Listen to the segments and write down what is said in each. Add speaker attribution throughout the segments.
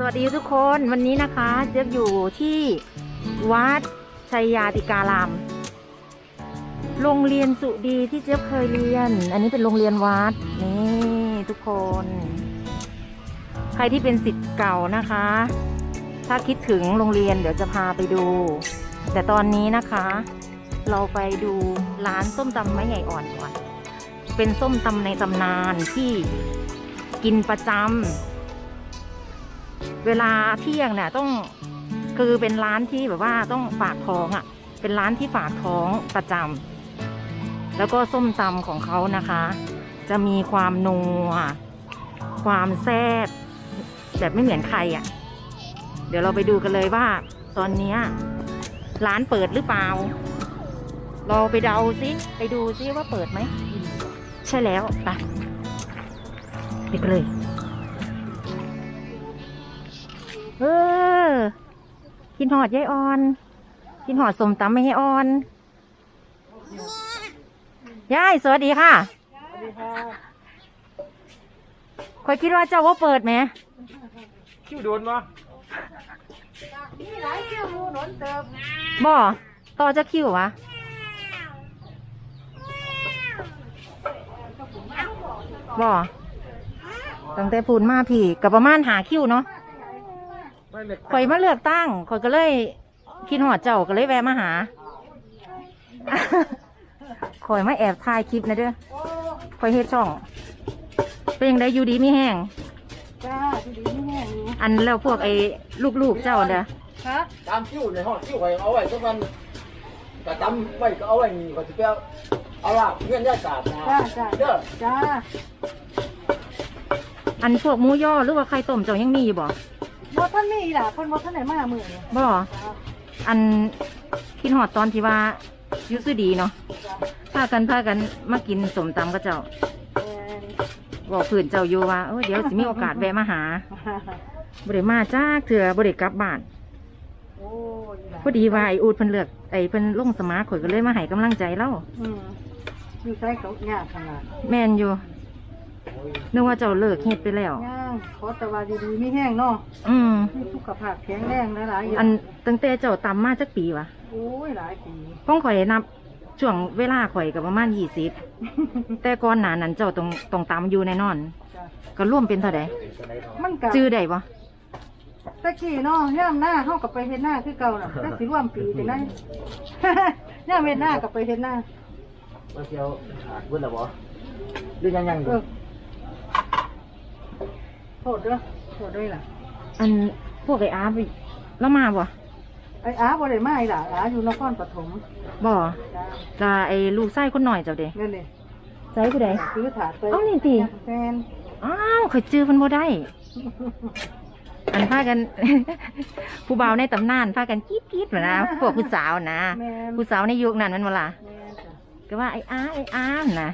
Speaker 1: วัสดีทุกคนวันนี้นะคะเจ๊อยู่ที่วัดชัยยาติการามโรงเรียนสุดีที่เจ๊เคยเรียนอันนี้เป็นโรงเรียนวัดนี่ทุกคนใครที่เป็นศิษย์เก่านะคะถ้าคิดถึงโรงเรียนเดี๋ยวจะพาไปดูแต่ตอนนี้นะคะเราไปดูร้านส้มตำไม้ใหญ่อ่อนก่อนเป็นส้มตำในตำนานที่กินประจำเวลาเที่ยงเนี่ยต้องคือเป็นร้านที่แบบว่าต้องฝากท้องอ่ะเป็นร้านที่ฝากท้องประจำแล้วก็ส้มตำของเขานะคะจะมีความนัวความแซ่บแบบไม่เหมือนใครอ่ะเดี๋ยวเราไปดูกันเลยว่าตอนนี้ร้านเปิดหรือเปล่าเราไปเดาซิไปดูซิว่าเปิดไหมใช่แล้วไปกันเลยกินหอดยายอ่อนกินหอดสมตำไม่ให้อ่อนยายสวัสดีค่ะสวัสดีค่ะคอยคิดว่าเจ้าว่าเปิดไหม
Speaker 2: คิวโดนวะ
Speaker 3: มีหลายคิวโดนเติม
Speaker 1: บ่ต่อจะคิววะบ่ตั้งแต่พูนมาพี่กับประมาณหาคิวเนาะข่อยมาเลือกตั้งข่อยก็เลยคิดหอดเจ้าก็เลยแวะมาหาข่อยมาแอบถ่ายคลิปนะเด้อข่อยเฮ็ดช่องเป็นยังไงอยู่ดีไม่แห้ง
Speaker 3: จ้าอยู่ดีไม่แห้ง
Speaker 1: อันแล้วพวกไอ้ลูกๆเจ้าเด้อ
Speaker 3: ครับ
Speaker 2: ตามคิวในห้องคิวไว้เอาไว้สักวันก็จำไว้ก็เอาไว้นี่ก็จะไปเอาละเงื่อนย้ายศาสตร์นะเด้อ
Speaker 3: จ้า
Speaker 1: อันพวกหมูย่อหรือว่าไข่ต้มเจ้ายังมีอยู่บ่
Speaker 3: บ่ท่านมีล่ะเพิ่นบ่ท่านไหนมามื้อนี้
Speaker 1: บ่อันคิดฮอดตอนที่ว่าอยู่ซื่อดีเนาะพากันมากินสมตำกับเจ้าบอกเพื่อนเจ้าอยู่ว่าเดี๋ยวสิมีโอกาสแวะมาหาบ่ได้มาจ้าเถื่อบ่ได้กลับบ้านพอดีว่าไอ้อูดเพิ่นเลือกไอ้เพิ่นลงสมาข่อยก็เลยมาให้กำลังใจเล่า
Speaker 3: อยู่ใส่เขายากขนาด
Speaker 1: แม่นอยู่นึกว่าเจ้าเลิกเฮ็ดไปแล้ว
Speaker 3: ย่างขอแต่ว่าดีๆไม่แห้งเนาะมีสุขภาพแข็งแรงหลายๆอย่าง
Speaker 1: อันตั้งแต่เจ้าตำมาจักปีวะ
Speaker 3: โอ้ยหลายปี
Speaker 1: พ้องข่อยนับช่วงเวลาข่อยกับประมาณ20แต่ก่อนหน้านั้นเจ้าต้องตำอยู่แน่นอนก็ร่วมเป็นเท่าใด
Speaker 3: มันก็
Speaker 1: จื้อได้บ่
Speaker 3: ตะกี้เนาะย่ามหน้าเฮากับไปเฮ็ดหน้าคือเก่าน่ะแต่สิร่วมปีจังได๋ย่ามเฮ็ดหน้ากับไปเฮ็ดหน้า
Speaker 2: บ่เกี่ยวเบิ่นล่ะบ่หรือยังอยู่
Speaker 3: โทษด้วยล่ะ
Speaker 1: อันพวกไอ้อาไปแล้วมาบ่
Speaker 3: ไอ้อาบ่ได้มาล่ะอาอยู่นครปฐม
Speaker 1: บ่จ้าไอ้ลูกชายคนหน่อยเจ้าเด้
Speaker 3: นั่นนี่
Speaker 1: ใส่ผู้ใด
Speaker 3: ซื้อถาดไป
Speaker 1: นี่ติ
Speaker 3: แฟน
Speaker 1: อ้าวข่อยจื้อเพิ่นบ่ได้อันพากัน ผู้บ่าวในตำนานพากันกีดๆนะพวกผู้สาวนะผู้สาวในยุคนั้นมันบ่ล่ะก็ว่าไอ้อานะ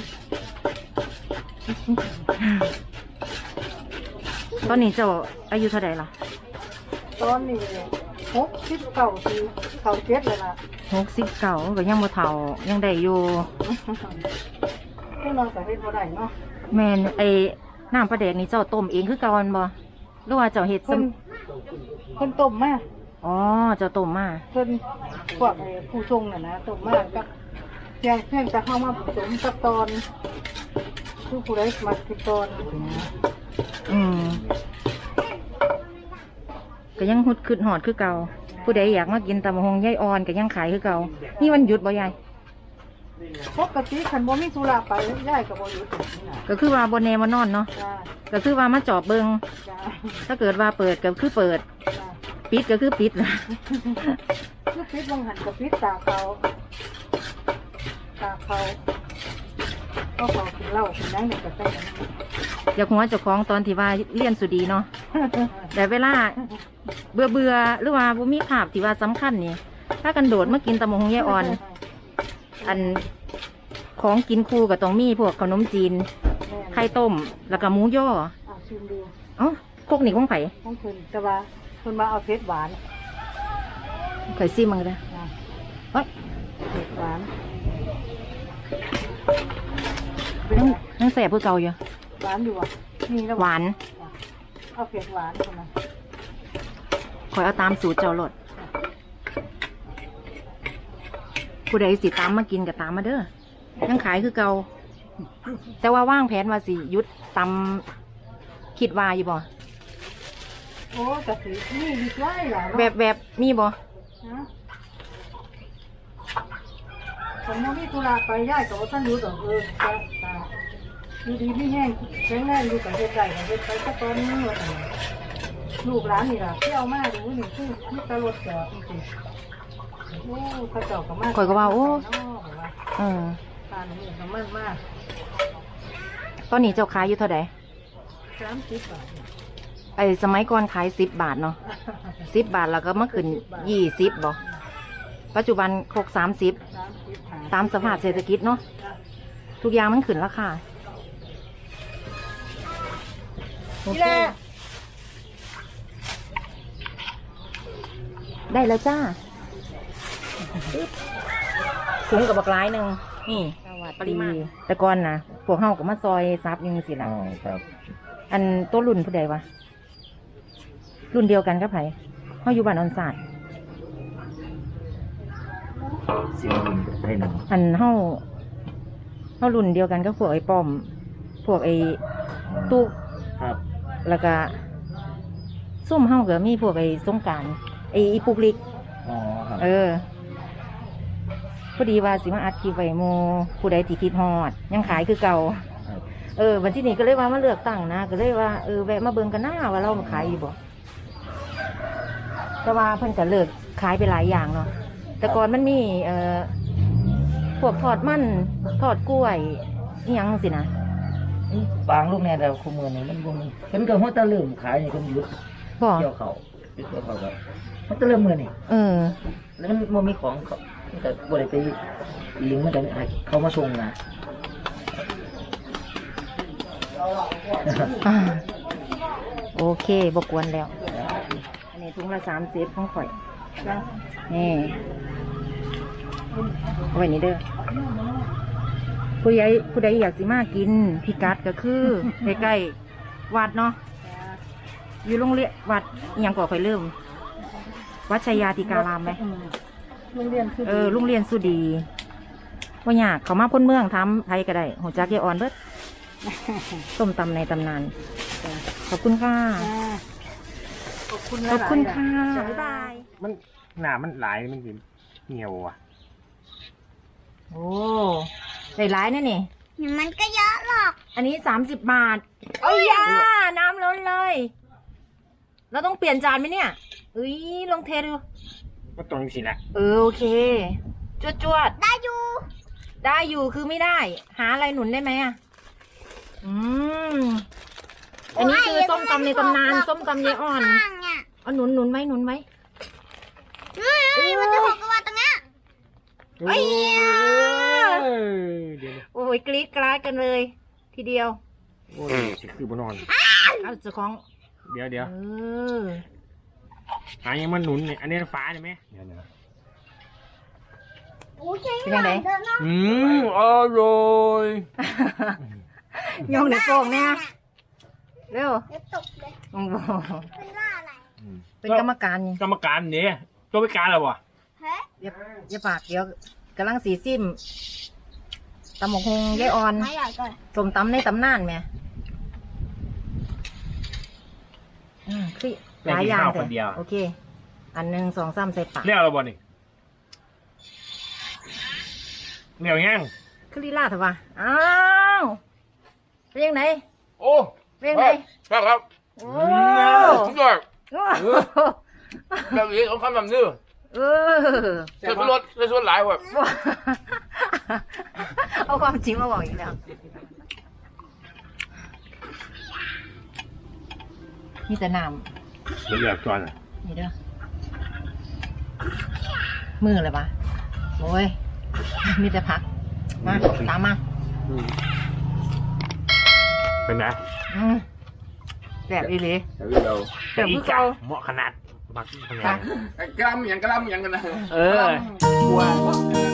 Speaker 1: ตอนนี้เจ้าอายุเท่าไหร่ล่ะ
Speaker 3: ตอนนี้69ปีเขา7แล้วล่ะ
Speaker 1: 69ก็ยังบ่เฒ่ายังได้อยู่
Speaker 3: พวกเราก็เฮ็ดบ่ได้เนาะ
Speaker 1: แม่นไอ้น้ำปลาแดกนี่เจ้าต้มเองคือเก่าบ่หรือว่าเจ้าเฮ็ด
Speaker 3: คนต้มมา
Speaker 1: อ๋อเจ้าต้มมา
Speaker 3: เพิ่นพวกผู้ทรงน่ะนะต้มมากับเพียงแต่เฮามาผสมกับตอนคือผู้ใดมากินตอน
Speaker 1: ก็ยังหุดขึ้นหอดคือเก่าผู้ใดอยากมากินตำบักหุ่งยายอ่อนก็ยังขายคือเก่านี่วันหยุดบ่ยาย
Speaker 3: ปกติคันบ่มีธุระไปยายก็บ่หยุด
Speaker 1: ก็คือว่าบ่แน่บ่นอนเนาะก็คือว่ามาจอบเบิ่งถ้าเกิดว่าเปิดก็คือเปิดปิดก็คือปิดล่ะ
Speaker 3: คือปิดบางหันก็ปิดตาเขาก็เขากินเหล้ากินนั่งเด็กก็ได้
Speaker 1: อยากหัวเจ้าของตอนที่ว่าเรียนสุดีเนาะแต่เวลาเบื่อหรือว่าบ่มีขาบที่ว่าสำคัญนี่ถ้ากันโดดมากินตำบักหุ่งยายอ่อนอันของกินคู่กับต้องมีพวกขนมจีนไข่ต้มแล้วก็หมูย่อพวกนี้ของไผ่
Speaker 3: ของเพิ่นแต่ว่าเพิ่นมาเอาเผ็ดหวาน
Speaker 1: ไข่ซิมมึงเลยเฮ้ย
Speaker 3: เผ็ดหวาน
Speaker 1: นั่งแสบเพื่อเก่าอยู่
Speaker 3: หวานอยู่อ่ะนี่แล้ว
Speaker 1: หวาน
Speaker 3: เอาเผ็ดหวานคนละ
Speaker 1: คอยเอาตามสูตรเจ้ารสผู้ใดสิตามมากินก็ตามมาเด้อยังขายคือเก่าแต่ว่าว่างแผนว่าสิหยุดตำคิดว่าอยู่บ่
Speaker 3: โอ้กะสินี่ดีกว่าล่ะ
Speaker 1: แบบมีบ่
Speaker 3: ฮะผมยังมีธุระไปย้ายกับว่าท่านรู้ดอกจ้าอยู่ดีไม่แห้งแข็งแรงอยู่กับเฮ็ดได้กับเฮ็ดไปสักตอนนึงว่าซั่นลูกหลานนี่ล่ะเที่ยวมาดูนี่คือมีแตรถจอดจริงๆโอ้เขาเจ้าก็มา
Speaker 1: ข่อยก็ว่าโอ้เออ
Speaker 3: ทานนี่ก็มันมาก
Speaker 1: ตอนนี้เจ้าขายอยู่เท่าใด
Speaker 3: 30 บาท
Speaker 1: ไอ้สมัยก่อนขาย10 บาทเนาะ10 บาทแล้วก็มาขึ้น20บ่ปัจจุบันครก30ตามสภาพเศรษฐกิจเนาะทุกอย่างมันขึ้นราคาโอเคได้แล้วจ้าถุงกับบักร้ายหนึ่งนี่ปริมาณแต่ก่อนนะพวกเฮากับมาซอยซับอยังสิล่ะ
Speaker 2: อ๋อครับ
Speaker 1: อันตัวรุ่นผู้ใดวะรุ่นเดียวกันกับไผเฮาอยู่บ้านออนศาสตร์
Speaker 2: เสียงดินให้หนึ่ง
Speaker 1: อันเฮารุ่นเดียวกันกับพวกไอ้ป้อม พวกไอ้ตุ๊ก
Speaker 2: ครับ
Speaker 1: แล้วก็ซุ่มเฮาก็มีพวกไอ้สงกรานต์ไอ้อีปุกลิก
Speaker 2: อ๋อครับ
Speaker 1: พอดีว่าสิมาอัดคลิปไว้โมผู้ใดที่คิดฮอดยังขายคือเก่า
Speaker 2: ครับ
Speaker 1: วันที่นี้ก็เลยว่ามาเลือกตั้งนะก็เลยว่าแวะมาเบิ่งกันหน้าว่าเรามาขายอยู่บ่แต่ว่าเพิ่นก็เลิกขายไปหลายอย่างเนาะแต่ก่อนมันมีพวกทอดมันทอดกล้วยอิหยังสินะ
Speaker 2: บางลูกแน่แต่คู่มือนี่มันบ่มีเพิ่นก็ฮอดแตะเริ่มขายนี่เพิ่นหยุด
Speaker 1: บ่
Speaker 2: เกี่ยวเขาหยุดเกี่ยวเขาครับฮอดแตะเริ่มมื้อนี่ แล้วมันบ่มีของเขามันก็บ่ได้ไปลิงก์มันจะให้เขามาส่งนะ
Speaker 1: อ่าโอเคบกวนแล้ว อันนี้ถุงละ30ของข่อยนี่เอาไว้นี่เด้อผู้ใดอยากสิมากินพิกัดก็คือใกล้ๆวัดเนาะอยู่โรงเรียนวัดอิหยังก่อข่อยลืมวัดชัยยาติการามไหม
Speaker 3: โรงเรียนคือ
Speaker 1: โรงเรียนสุดีว่าอยากเขามาพ้นเมืองทำไทยก็ได้หัวจักยายอ่อนเบิดส้มตำในตำนานขอบคุณค่ะ
Speaker 3: ขอบคุณ
Speaker 1: ขอบคุณค่ะ
Speaker 3: จ้า
Speaker 1: บ๊ายบาย
Speaker 4: มันหนามันหลายมันสิเหี่ยวอ่ะ
Speaker 1: โอ้ได้หลายนะนี่
Speaker 5: มันก็เยอะหรอก
Speaker 1: อันนี้30 บาทเอ้ยยาน้ำล้นเลย เราต้องเปลี่ยนจานไหมเนี่ยลองเทดู
Speaker 4: ก็ตรงสินะ
Speaker 1: โอเค จวด
Speaker 5: ได้อยู่
Speaker 1: ได้อยู่คือไม่ได้ หาอะไรหนุนได้ไหมอ่ะอันนี้คือส้มตำในตำนานส้มตำยายอ่อน
Speaker 5: ข้างเนี่ย
Speaker 1: เอาหนุนไว้หนุนไว้
Speaker 5: เฮ้ยมันจะหกกว่าตรงเนี้ย
Speaker 1: เอ้ย
Speaker 4: เดี๋ยว
Speaker 1: โอ้ยกรี๊ดกราดกันเลย ทีเดียว
Speaker 4: โอ้ยสิคือบนอน
Speaker 1: เอาเจ้าของ
Speaker 4: เดี๋ยว
Speaker 1: เออ
Speaker 4: หายังมันหนุนเนี่ยอันนี้ฟ้าใช่ไหมเดี๋ยว
Speaker 5: โอ้ย
Speaker 1: เป็นยังไง
Speaker 5: เดินเนาะ
Speaker 4: อร่อย
Speaker 1: ยองเดี๋ยวโป่งเนี่ยเร็ว
Speaker 5: เดี๋ยวตกเลย
Speaker 1: โอ้โห
Speaker 5: เป็นว่าอะไร
Speaker 1: เป็นกรรมการนี่
Speaker 4: กรรมการเนี่ยตัวไปการแล้ววะ
Speaker 5: เฮ้ย
Speaker 1: อย่าปากเดี๋ยวกำลังสีซิมตำหมกฮงยายอ่อน
Speaker 5: ไม่ใหญ่ก่อน
Speaker 1: สมตำในตำนานแม่คือหลายอย่างแต่โอเค อันหนึ่ง2 3ใส่ปาก
Speaker 4: เรียกอะไรบ่นี่เรียกยัง
Speaker 1: คือลีลาเถอะวะอ้าว เป็นยังไง
Speaker 4: โอ้
Speaker 1: เป็นยังไง
Speaker 4: ครับ
Speaker 1: โอ้
Speaker 4: สุดยอด
Speaker 1: โอ้
Speaker 4: แบบนี้ของคำแบบนี้
Speaker 1: เออ
Speaker 4: เสื้อรถเสื้อหลายว่ะ
Speaker 1: เอาความจริงมาบอกอีกแล้วมีแต่น้
Speaker 4: เรียกจอน
Speaker 1: ำนี่เด้อมือเลยปะโอ้ย มีแต่พัก มาตามมา
Speaker 4: เป็นไง
Speaker 1: แบบอีหลี
Speaker 2: เรา
Speaker 1: แบบคือเก่า
Speaker 4: เหมาะขนาดบักขนา
Speaker 1: ค่ะ
Speaker 4: ด
Speaker 2: กล้ามอย่างกันนะ
Speaker 4: เออกลัว